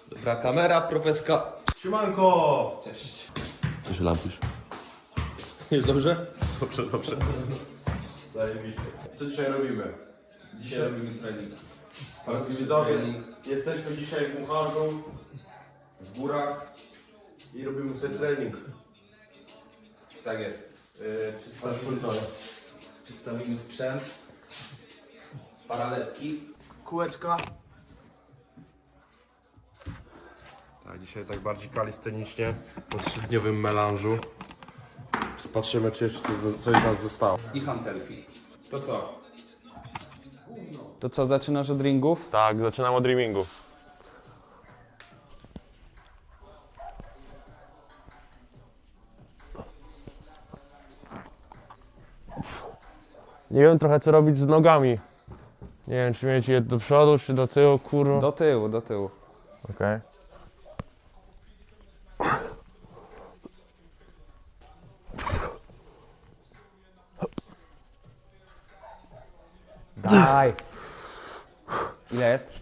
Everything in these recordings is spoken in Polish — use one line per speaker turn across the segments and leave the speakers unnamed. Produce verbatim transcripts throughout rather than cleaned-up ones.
Dobra, kamera, profeska.
Siemanko!
Cześć.
Co się lampisz?
Jest dobrze?
Dobrze, dobrze. Zajebiście. Co dzisiaj robimy?
Dzisiaj robimy trening.
Drodzy widzowie, jesteśmy dzisiaj w Muchargu, w górach i robimy sobie trening.
Tak jest. Yy, przedstawimy,
Szpultowe.
przedstawimy sprzęt. Paraletki. Kółeczka.
Tak, dzisiaj tak bardziej kalistenicznie, po trzydniowym melanżu. Patrzymy, czy jeszcze coś z nas zostało.
I hantelki. To co?
To co, zaczynasz od ringów?
Tak, zaczynam od dreamingu. Nie wiem trochę co robić z nogami. Nie wiem czy mieć je do przodu czy do tyłu, kurwa.
Do tyłu, do tyłu.
Okej.
Daj! Ile jest?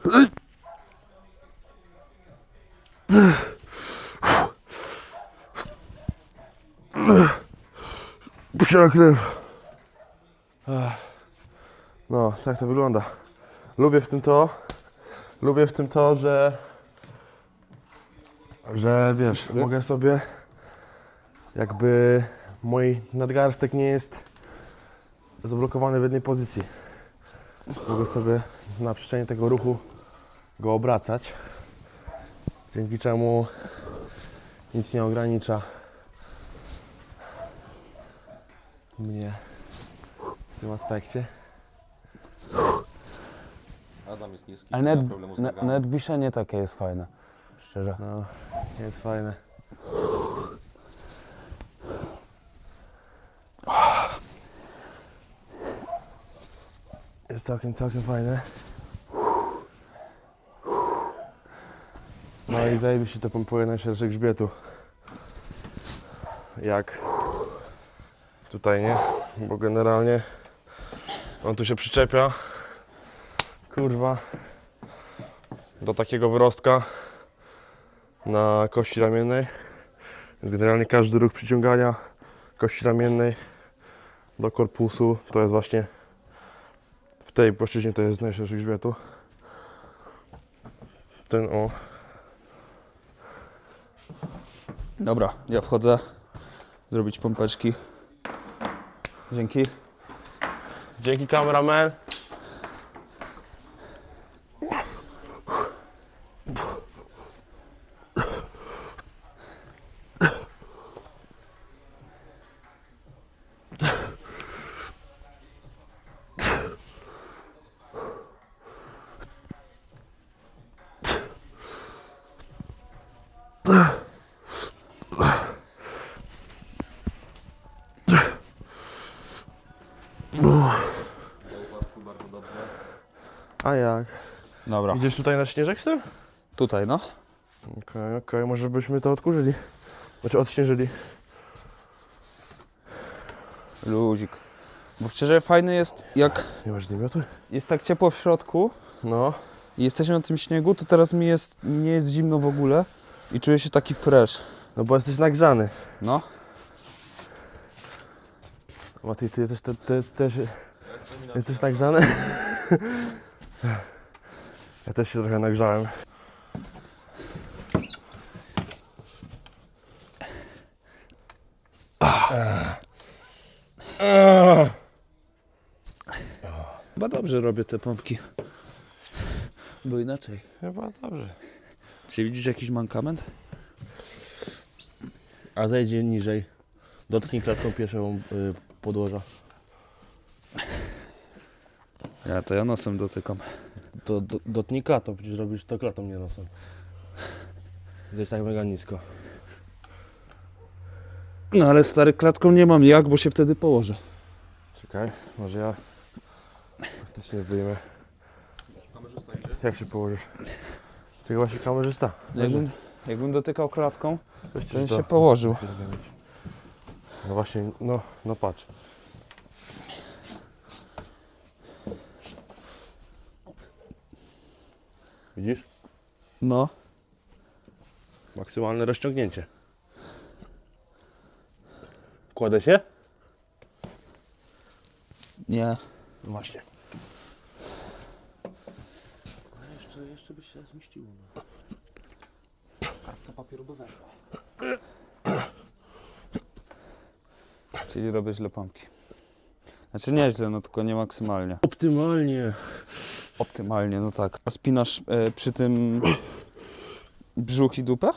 Puściła krew. No, tak to wygląda. Lubię w tym to, lubię w tym to, że, że wiesz, mogę sobie, jakby mój nadgarstek nie jest zablokowany w jednej pozycji. Mogę sobie na przestrzeni tego ruchu go obracać, dzięki czemu nic nie ogranicza mnie w tym aspekcie.
Adam jest niski,
Ale
nie ma
nawet,
problemu z
na,
nogami.
nawet wiszenie takie jest fajne. Szczerze.
No, jest fajne. Jest całkiem, całkiem fajne. No i zajebiście to pompuje najszerszy grzbietu. Jak tutaj, nie? Bo generalnie on tu się przyczepia, kurwa, do takiego wyrostka na kości ramiennej. Więc generalnie każdy ruch przyciągania kości ramiennej do korpusu to jest właśnie w tej płaszczyźnie, to jest najszerszy grzbietu. Ten o.
Dobra, ja wchodzę. Zrobić pompeczki. Dzięki.
Dzięki kameraman.
Bardzo dobrze.
A jak?
Dobra,
Idziesz tutaj na śnieżek z tym?
tutaj no.
Okej, okej, może byśmy to odkurzyli. Znaczy odśnieżyli.
Luzik. Bo szczerze fajny jest, jak
Nie masz namiotu?
jest tak ciepło w środku
No.
i jesteśmy na tym śniegu, to teraz mi jest, nie jest zimno w ogóle i czuję się taki fresh.
No bo jesteś nagrzany.
No.
Matej, ty też, ty, ty, też jesteś nagrzany? Ja też się trochę nagrzałem.
Chyba dobrze robię te pompki. Bo inaczej.
Chyba dobrze.
Czy widzisz jakiś mankament?
A zejdzie niżej. Dotknij klatką pierwszą y, podłoża.
Ja to ja nosem dotykam.
To do, dotknij klatą, przecież robisz to klatą, nie nosem. Zejdź tak mega nisko.
No ale stary, klatką nie mam jak, bo się wtedy położę.
Czekaj, może ja faktycznie wyjmę. Jak się położysz? Czekaj, właśnie kamerzysta.
Jakbym, jakbym dotykał klatką,
Weźcie
to bym
to.
się położył.
No właśnie, no, no patrz. Widzisz?
No.
maksymalne rozciągnięcie. Kładę się?
Nie.
No właśnie.
Jeszcze, jeszcze by się zmieściło. No. Kartka papieru by weszła.
Czyli robię źle pompki. Znaczy nieźle, no tylko nie maksymalnie.
Optymalnie.
Optymalnie, no tak. A spinasz e, przy tym brzuch i dupę?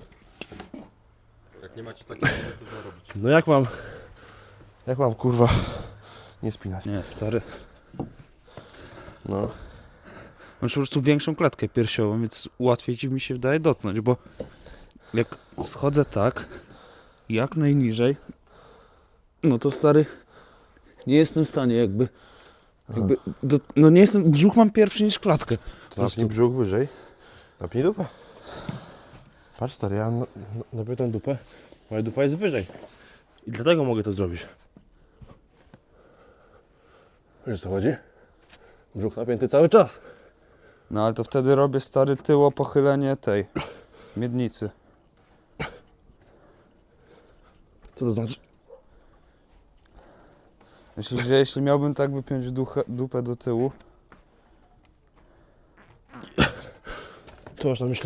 Jak nie macie takiego, to źle robić.
No jak mam, jak mam kurwa nie spinać?
Nie, stary.
No.
Masz po prostu większą klatkę piersiową, więc łatwiej ci mi się wydaje dotknąć, bo jak schodzę tak, jak najniżej, no to stary, nie jestem w stanie jakby, jakby do, no nie jestem, brzuch mam pierwszy niż klatkę. Po
To napnij brzuch wyżej. Napnij dupę. Patrz stary, ja na- na- napię tą dupę. Moja dupa jest wyżej. I dlatego mogę to zrobić. Wiesz o co chodzi? Brzuch napięty cały czas.
No ale to wtedy robię stary tyło pochylenie tej miednicy.
Co to znaczy?
Myślisz, że jeśli miałbym tak wypiąć duchę, dupę do tyłu,
Co masz na myśli?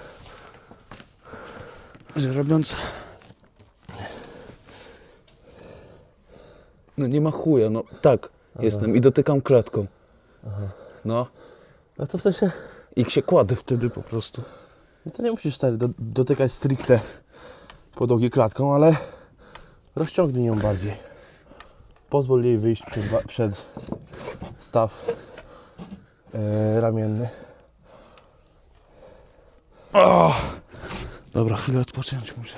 że robiąc... No nie ma chuja, no tak jestem i dotykam klatką. No
A to w sensie...
i się kładę wtedy po prostu.
No to nie musisz stary do, dotykać stricte podłogi klatką, ale rozciągnij ją bardziej. Pozwól jej wyjść przed, ba- przed staw e, ramienny.
O! Dobra, chwilę odpocząć muszę.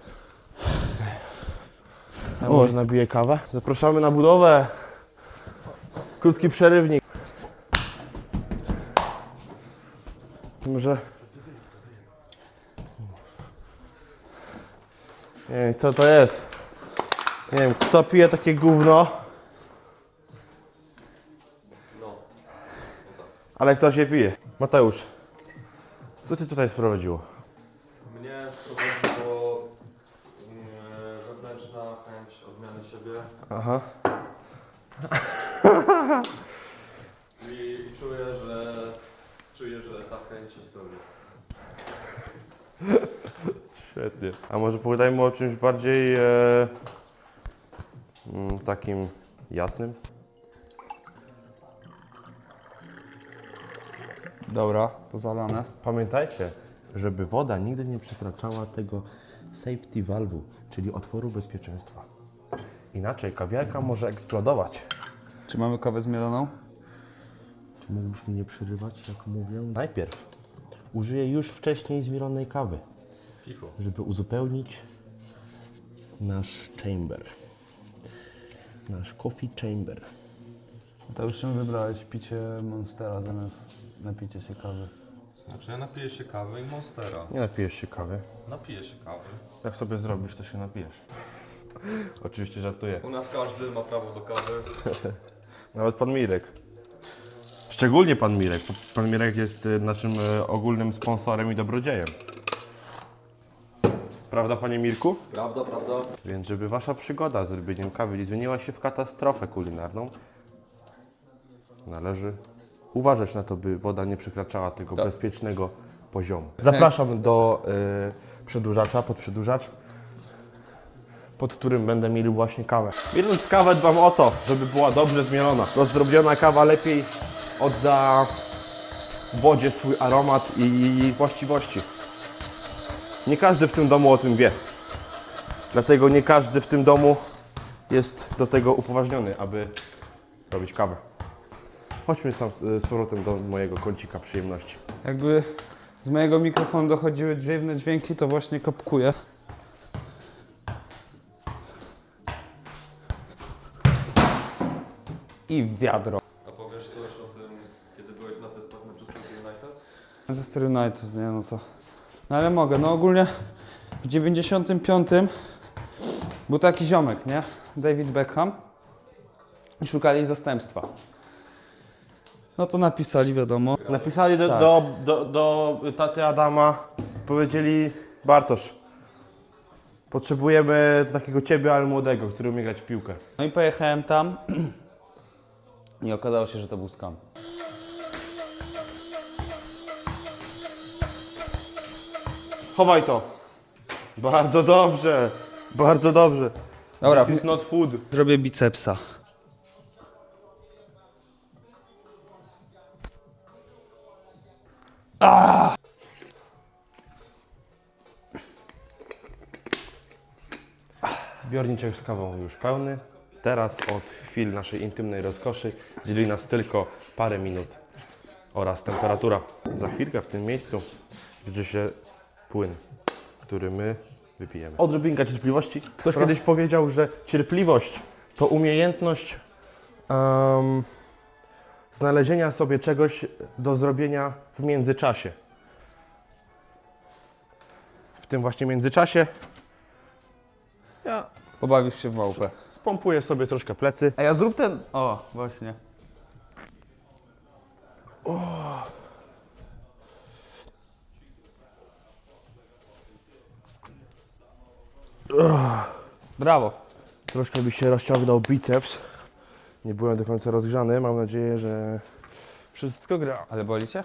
Ja może nabiję kawę. Zapraszamy na budowę. Krótki przerywnik. Może... Nie wiem co to jest. Nie wiem kto pije takie gówno. Ale ktoś je pije. Mateusz, co Cię tutaj sprowadziło?
Mnie sprowadziło yy, wewnętrzna chęć odmiany siebie
Aha.
i, i czuję, że czuję, że ta chęć się spełni.
Świetnie. A może pogadajmy o czymś bardziej e, mm, takim jasnym?
Dobra, to zalane.
Pamiętajcie, żeby woda nigdy nie przekraczała tego safety valve'u, czyli otworu bezpieczeństwa. Inaczej kawiarka może eksplodować.
Czy mamy kawę zmieloną?
Czy mógłbyś mnie nie przerywać, jak mówię? Najpierw użyję już wcześniej zmielonej kawy,
FIFO.
żeby uzupełnić nasz chamber. Nasz coffee chamber.
To już czym wybrałeś picie Monstera zamiast napicie się kawy?
Znaczy ja napiję się kawy i Monstera.
Nie napijesz się kawy.
Napiję się kawy.
Jak sobie zrobisz, to się napijesz. Oczywiście żartuję.
U nas każdy ma prawo do kawy.
Nawet pan Mirek. Szczególnie pan Mirek. Pan Mirek jest y, naszym y, ogólnym sponsorem i dobrodziejem. Prawda, panie Mirku?
Prawda, prawda.
Więc żeby wasza przygoda z robieniem kawy nie zmieniła się w katastrofę kulinarną, należy uważać na to, by woda nie przekraczała tego
Tak.
bezpiecznego poziomu. Zapraszam do y, przedłużacza, pod przedłużacz, pod którym będę mieli właśnie kawę. Mieląc kawę dbam o to, żeby była dobrze zmielona. Rozdrobniona kawa lepiej odda wodzie swój aromat i właściwości. Nie każdy w tym domu o tym wie. Dlatego nie każdy w tym domu jest do tego upoważniony, aby robić kawę. Chodźmy sam z powrotem do mojego kącika przyjemności.
Jakby z mojego mikrofonu dochodziły dziwne dźwięki, to właśnie kopkuję. I wiadro.
A powiesz coś o tym, kiedy byłeś na testach Manchester United?
Manchester United, nie no to... No ale mogę, no ogólnie w dziewięćdziesiątym piątym był taki ziomek, nie? David Beckham. I szukali zastępstwa. No to napisali, wiadomo.
Napisali do,
Tak.
do, do, do taty Adama, powiedzieli Bartosz, potrzebujemy takiego ciebie, ale młodego, który umie grać w piłkę.
No i pojechałem tam i okazało się, że to był skam.
Chowaj to. Bardzo dobrze, bardzo dobrze.
Dobra,
This is not food.
zrobię bicepsa.
Zbiorniczek z kawą już pełny. Teraz od chwil naszej intymnej rozkoszy dzieli nas tylko parę minut oraz temperatura. Za chwilkę w tym miejscu zbliży się płyn, który my wypijemy. Odrobinka cierpliwości. Ktoś kiedyś powiedział, że cierpliwość to umiejętność um, znalezienia sobie czegoś do zrobienia w międzyczasie. W tym właśnie międzyczasie ja
Pobawisz się w małpę.
spompuję sobie troszkę plecy.
A ja zrób ten... O, właśnie. Brawo.
Troszkę mi się rozciągnął biceps. Nie byłem do końca rozgrzany. Mam nadzieję, że wszystko gra.
Ale boli cię?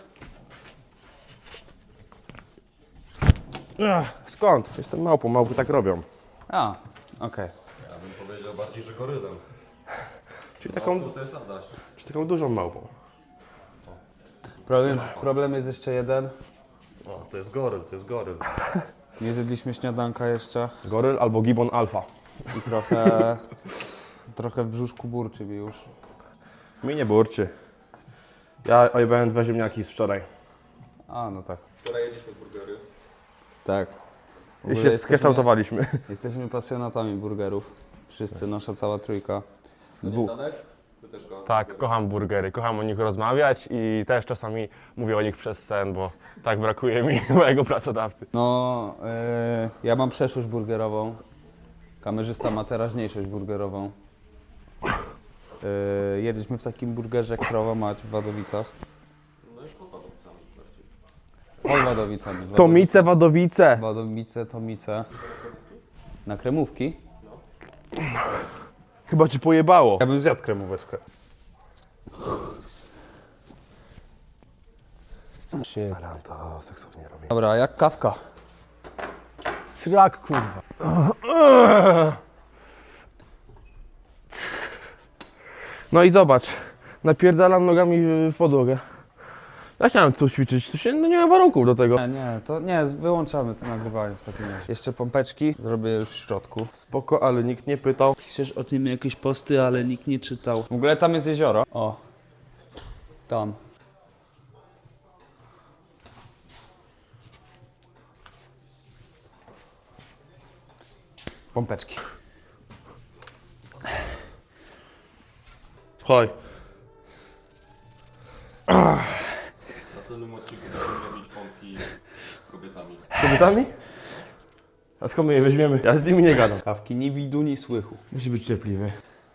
Ach, skąd? Jestem małpą, małpy tak robią.
A, okej.
Ja bym powiedział bardziej, że gorylem.
Czyli taką,
To jest Adaś.
czyli taką dużą małpą.
Problem, problem jest jeszcze jeden.
O, to jest goryl, to jest goryl.
Nie zjedliśmy śniadanka jeszcze
Goryl albo gibbon alfa.
i trochę... trochę w brzuszku burczy mi już.
Mi nie burczy. Ja ojebałem dwa ziemniaki z wczoraj.
A, no tak.
Wczoraj jedliśmy burgery.
Tak. W
I
ogóle
się
jesteśmy-
skekształtowaliśmy.
Jesteśmy pasjonatami burgerów. Wszyscy, nasza cała trójka. Dwóch.
Danek? Ty też go.
Tak, kocham burgery, kocham o nich rozmawiać i też czasami mówię o nich przez sen, bo tak brakuje mi mojego pracodawcy.
No, e, ja mam przeszłość burgerową. Kamerzysta ma teraźniejszość burgerową. E, jedliśmy w takim burgerze Krowa Mać w Wadowicach.
No już pod Wadowicami bardziej.
Pod Wadowicami. Wadowice-
Tomice, Wadowice.
Wadowice, Tomice. Na kremówki?
Chyba ci pojebało.
Ja bym zjadł kremóweczkę.
Aran to seksownie robi.
Dobra, a jak kawka?
Srak, kurwa. No i zobacz, napierdalam nogami w podłogę. Ja chciałem coś ćwiczyć, to się, no nie ma warunków do tego.
Nie, nie, to nie, wyłączamy to nagrywanie w takim razie. Jeszcze pompeczki zrobię już w środku.
Spoko, ale nikt nie pytał.
Piszesz o tym jakieś posty, ale nikt nie czytał. W ogóle tam jest jezioro. O. Tam. Pompeczki.
Chodź.
W następnym odcinku będziemy robić pompki z kobietami.
Z kobietami? A skąd my je weźmiemy? Ja z nimi nie gadam.
Kawki ni widu, ni słychu.
Musi być cierpliwy.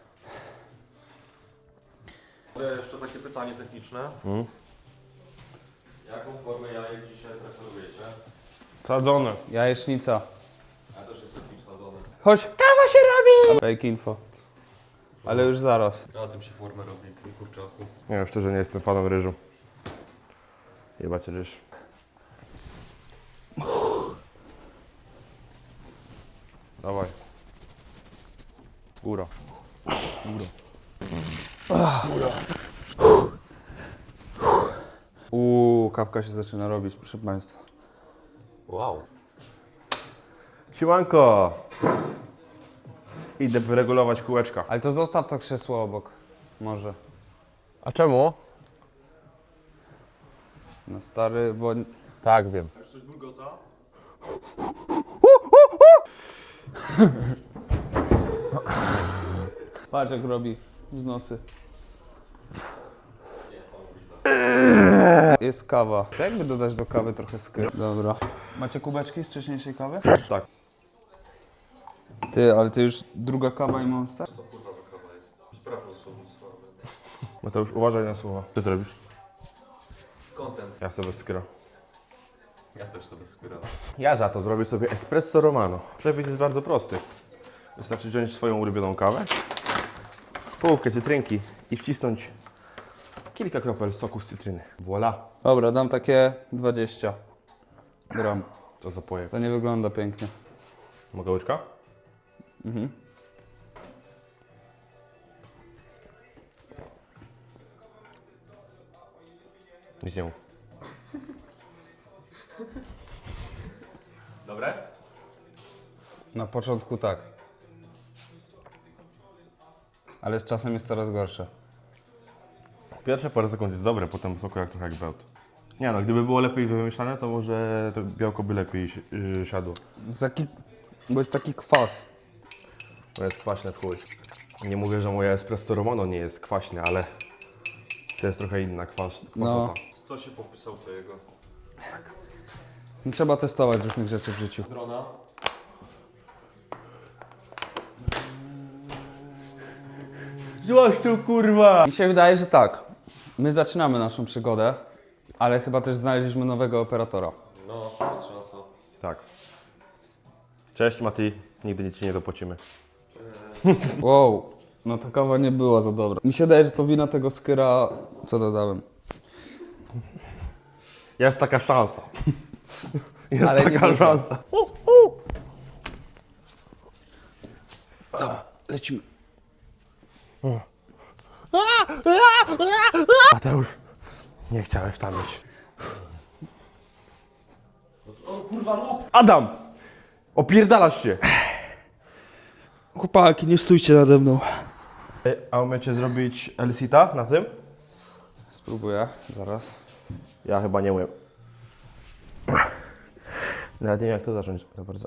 Ale jeszcze takie pytanie techniczne.
Mm.
Jaką formę jajek dzisiaj preferujecie?
Sadzone.
Jajecznica.
Ja też jestem tym wsadzony.
Chodź. Kawa się robi! Fake info. Ale już zaraz.
Na tym się formę robi, mój kurczaku.
Nie wiem, szczerze nie jestem fanem ryżu. Jebać ryż. Dawaj. Góra.
Uuu, kawka się zaczyna robić, proszę Państwa.
Wow.
Siłanko! Idę wyregulować kółeczka.
Ale to zostaw to krzesło obok. Może.
A czemu?
No stary, bo...
Tak, wiem.
Chcesz coś bulgota?
Patrz jak robi wznosy. Jest kawa. Co jakby dodać do kawy trochę skyr? Dobra. Macie kubeczki z wcześniejszej kawy?
Tak.
Ty, ale to już druga kawa i monster?
To kurwa za kawa jest. Sprawdź słownictwo.
Mateusz, uważaj na słowa. Co ty robisz?
Content.
Ja chcę bez skra.
Ja też sobie skóra.
Ja za to zrobię sobie espresso romano. Przepis jest bardzo prosty. Wystarczy wziąć swoją ulubioną kawę, połówkę cytrynki i wcisnąć kilka kropel soku z cytryny. Voilà.
Dobra, dam takie dwadzieścia gram.
To zapoję.
To nie wygląda pięknie.
Mogę łyczka?
Mhm.
Nic nie mów.
Dobre?
Na początku tak. Ale z czasem jest coraz gorsze.
Pierwsze parę sekund jest dobre, potem smakuje jak trochę jak bełt. Nie no, gdyby było lepiej wymieszane, to może to białko by lepiej si- yy, siadło.
Taki, bo jest taki kwas.
To jest kwaśne w chuj. Nie mówię, że moje espresso romano nie jest kwaśne, ale to jest trochę inna kwas, kwasota.
No.
Co się popisał to jego?
Trzeba testować różnych rzeczy w życiu.
Drona.
Złoś tu kurwa!
Mi się wydaje, że tak. My zaczynamy naszą przygodę, ale chyba też znaleźliśmy nowego operatora.
No, jest szansa.
Tak. Cześć Mati, nigdy ci nie zapłacimy.
Wow, no ta kawa nie była za dobra. Mi się wydaje, że to wina tego skyra, co dodałem.
Jest taka szansa. Jest
Ale nie
taka
dużo.
szansa.
Lecimy.
Mateusz, nie chciałeś tam być. Adam! Opierdalasz się!
Chłopaki, nie stójcie nade mną.
A umiecie zrobić Elsita na tym?
Spróbuję, zaraz.
Ja chyba nie umiem. Nawet nie wiem jak to zacząć za bardzo.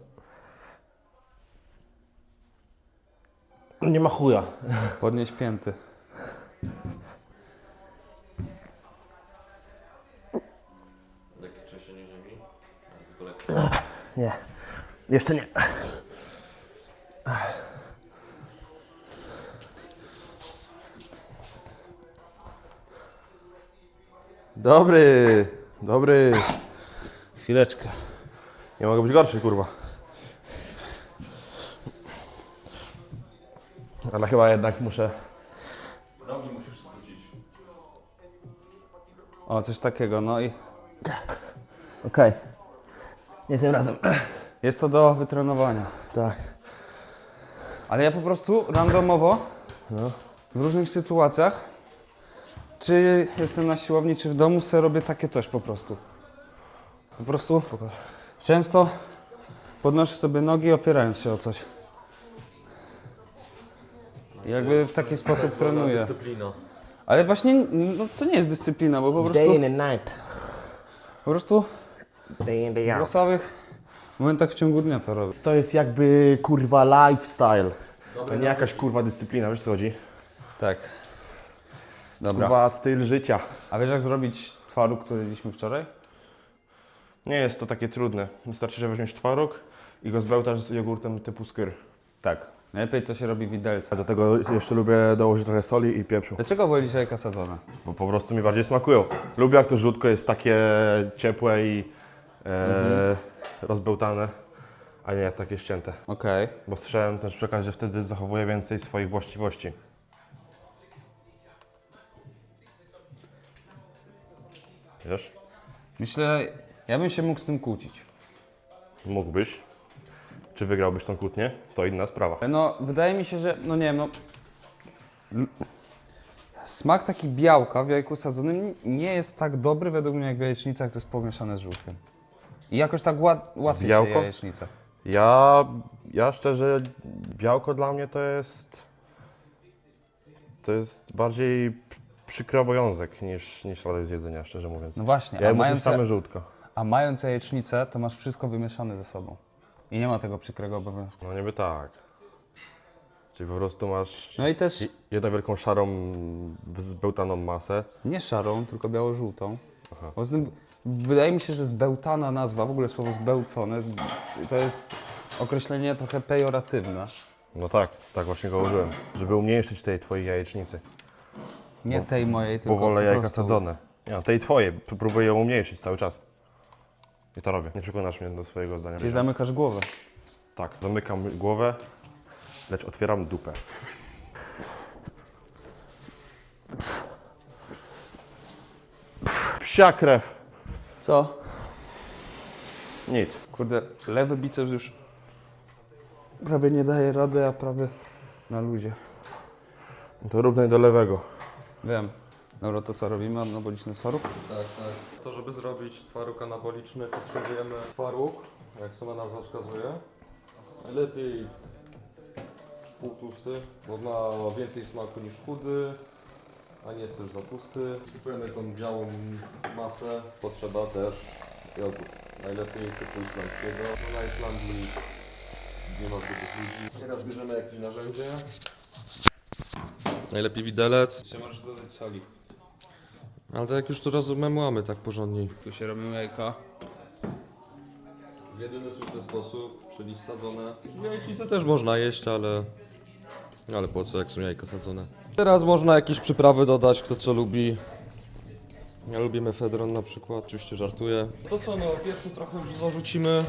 Nie ma chuja.
Podnieś pięty.
Lekkie trzęsienie ziemi. Ale tylko lekkie.
Nie. Jeszcze nie. Dobry, dobry.
Chwileczkę.
Nie mogę być gorszy, kurwa. Ale chyba jednak muszę...
Nogi musisz skrócić.
O, coś takiego, no i
Okej. Nie tym razem.
jest to do wytrenowania.
Tak.
Ale ja po prostu randomowo w różnych sytuacjach, czy jestem na siłowni, czy w domu, sobie robię takie coś po prostu. Po prostu często podnoszę sobie nogi, opierając się o coś. I jakby w taki sposób trenuję.
Dyscyplina.
Ale właśnie no, to nie jest dyscyplina, bo po prostu,
and night.
po prostu
Day in, day
w losowych momentach w ciągu dnia to robię.
To jest jakby kurwa lifestyle. To nie jakaś kurwa dyscyplina, wiesz co chodzi?
Tak. Dobra.
Kurwa styl życia.
A wiesz jak zrobić twaróg, który jedliśmy wczoraj?
Nie jest to takie trudne. Wystarczy, że weźmiesz twaróg i go zbełtasz z jogurtem typu skyr.
Tak. Najlepiej to się robi widelce.
Do tego jeszcze lubię dołożyć trochę soli i pieprzu.
Dlaczego wolisz jajka sadzone?
Bo po prostu mi bardziej smakują. Lubię jak to żółtko jest takie ciepłe i e, rozbełtane, a nie takie ścięte.
Okej.
Bo słyszałem też przekaz, że wtedy zachowuje więcej swoich właściwości. Wiesz?
Myślę, ja bym się mógł z tym kłócić.
Mógłbyś. Czy wygrałbyś tą kłótnię? To inna sprawa.
No, wydaje mi się, że, no nie wiem, no... l- Smak taki białka w jajku sadzonym nie jest tak dobry według mnie jak w jajecznicach, to jest pomieszane z żółtkiem. I jakoś tak łat, łatwiej
Białko?
się je jajecznicę.
Ja, ja szczerze, białko dla mnie to jest... To jest bardziej p- przykry obowiązek niż, niż radek z jedzenia, szczerze mówiąc.
No właśnie,
Ja
a
mówię
mając,
same żółtko.
a mając jajecznicę, to masz wszystko wymieszane ze sobą. I nie ma tego przykrego obowiązku.
No niby tak. Czyli po prostu masz
No i też
je- jedną wielką szarą, zbełtaną masę.
nie szarą, tylko biało-żółtą. Poza tym wydaje mi się, że zbełtana nazwa, w ogóle słowo zbełcone, z- to jest określenie trochę pejoratywne.
No tak, tak właśnie go użyłem. Żeby umniejszyć tej twojej jajecznicy.
Nie tej mojej, tylko
Bo wolę
po
jajka
prostu.
sadzone. Nie, no, tej twojej. P- Próbuję ją umniejszyć cały czas. I to robię. Nie przekonasz mnie do swojego zdania.
Czyli zamykasz głowę.
Tak, zamykam głowę, lecz otwieram dupę. Psia krew.
Co?
Nic.
Kurde, lewy biceps już prawie nie daje rady, a prawie na luzie.
To równaj do lewego.
Wiem. Dobra, to co robimy? Anaboliczny twaróg?
Tak, tak. To, żeby zrobić twaróg anaboliczny, potrzebujemy twaróg, jak sama nazwa wskazuje. Najlepiej półtłusty, bo ma więcej smaku niż chudy, a nie jest też za tłusty. Wsypujemy tą białą masę. Potrzeba też jogurt. Najlepiej typu islandzkiego. No na Islandii nie ma grubych ludzi. Teraz bierzemy jakieś narzędzie. Najlepiej widelec.
Jeszcze możesz dodać soli.
Ale to jak już to rozumemy tak porządnie.
Tu się robią jajka.
W jedyny słuszny sposób, czyli sadzone. Jajcice też można jeść, ale... Ale po co, jak są jajka sadzone? Teraz można jakieś przyprawy dodać, kto co lubi. Ja lubię mefedron na przykład, oczywiście żartuję. To co, no pierwszy trochę już zarzucimy.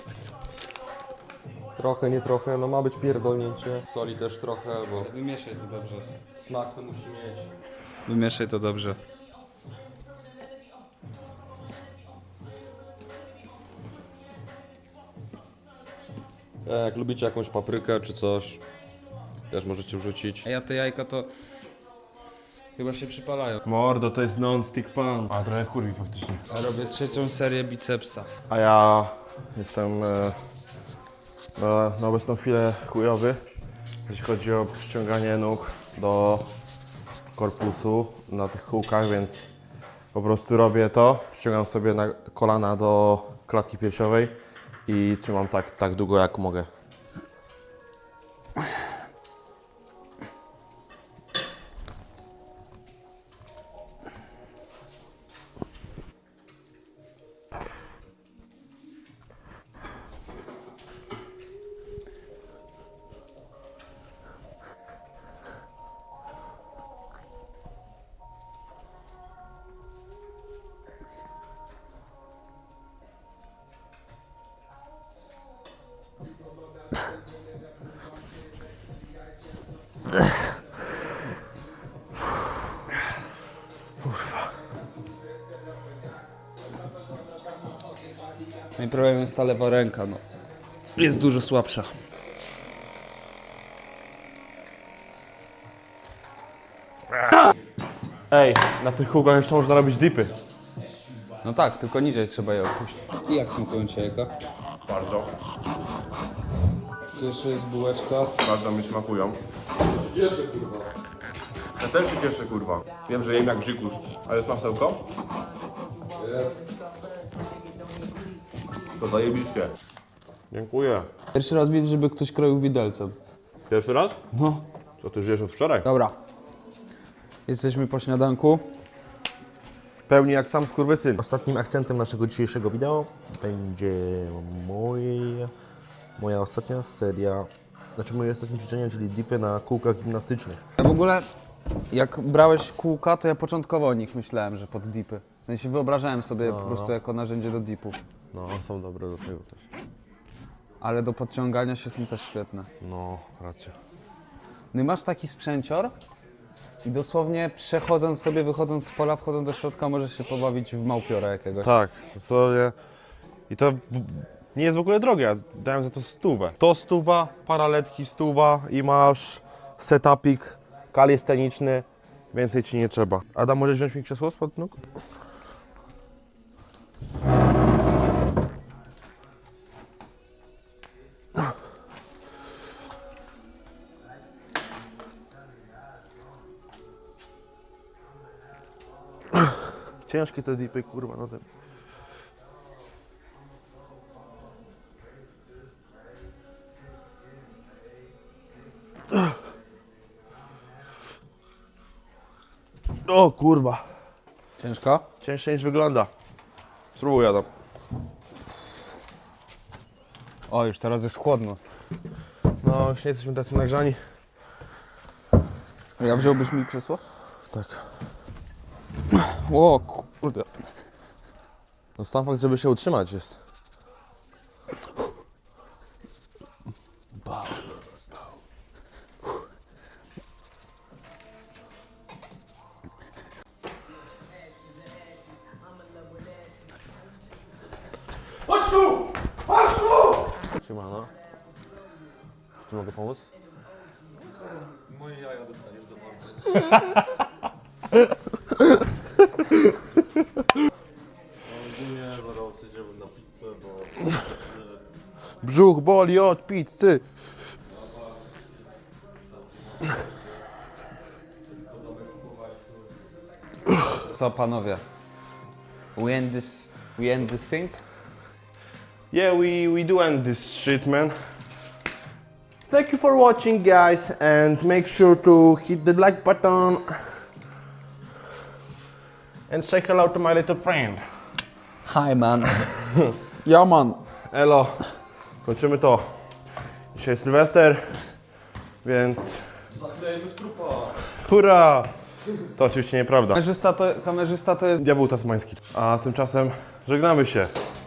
Trochę, nie trochę, no ma być pierdolnięcie. Soli też trochę, bo
Wymieszaj to dobrze.
smak to musi mieć.
Wymieszaj to dobrze.
E, Jak lubicie jakąś paprykę czy coś, też możecie wrzucić.
A ja te jajka to chyba się przypalają.
Mordo, to jest non-stick pan. A trochę kurwi faktycznie.
Ja robię trzecią serię bicepsa.
A ja jestem e, na, na obecną chwilę chujowy, jeśli chodzi o przyciąganie nóg do korpusu na tych kółkach, więc po prostu robię to, przyciągam sobie na kolana do klatki piersiowej i trzymam tak, tak długo jak mogę.
No i problemem jest ta lewa ręka, no. Jest dużo słabsza.
Ej, na tych kółkach jeszcze można robić dipy.
No tak, tylko niżej trzeba je opuścić. I jak smakują ci jajka?
Bardzo,
Tu jeszcze jest bułeczka.
bardzo mi smakują.
Cieszę kurwa.
Ja też się cieszę, kurwa. Wiem, że jem jak grzykus. A jest masełko?
Jest.
To zajebiście. Dziękuję.
Pierwszy raz widzę, żeby ktoś kroił widelcem.
Pierwszy raz?
No.
Co, ty żyjesz od wczoraj?
Dobra. Jesteśmy po śniadanku.
Pełni jak sam skurwysyn. Ostatnim akcentem naszego dzisiejszego wideo będzie moje, moja ostatnia seria, znaczy moje ostatnie ćwiczenie, czyli dipy na kółkach gimnastycznych.
Ja w ogóle, jak brałeś kółka, to ja początkowo o nich myślałem, że pod dipy. W sensie wyobrażałem sobie po prostu jako narzędzie do dipów.
No, są dobre do tego też.
Ale do podciągania się są też świetne.
No, racja.
No i masz taki sprzęcior i dosłownie przechodząc sobie, wychodząc z pola, wchodząc do środka, możesz się pobawić w małpiora jakiegoś.
Tak, dosłownie. I to w- nie jest w ogóle drogie, ja dałem za to stówę. To stuwa, paraletki stuwa i masz setupik kalisteniczny, więcej ci nie trzeba. Adam, możesz wziąć mi krzesło spod nóg? Ciężkie te dipy, kurwa, no ten. O kurwa,
Ciężko?
cięższe niż wygląda. Spróbuj, Adam.
O, już teraz jest chłodno.
No, już nie jesteśmy tacy nagrzani.
Ja wziąłbyś mi krzesło?
Tak.
O, kurde.
No sam fakt, żeby się utrzymać jest.
Chodź tu! Chodź tu!
Siemano. Czy mogę pomóc?
Moje jaja dostaniesz do mordy. Ogólnie zaraz jedziemy na pizzę, bo...
Brzuch boli od pizzy.
Co panowie? We end this, we end this thing?
Yeah, we, we do end this shit, man. Thank you for watching, guys, and make sure to hit the like button and say hello to my little friend.
Hi man. Ja man.
Elo, kończymy to. Dzisiaj jest Sylwester, więc
Zaklejmy w trupa!
hurra! To oczywiście nieprawda.
Kamerzysta to, kamerzysta to jest...
Diabeł tasmański. A tymczasem żegnamy się.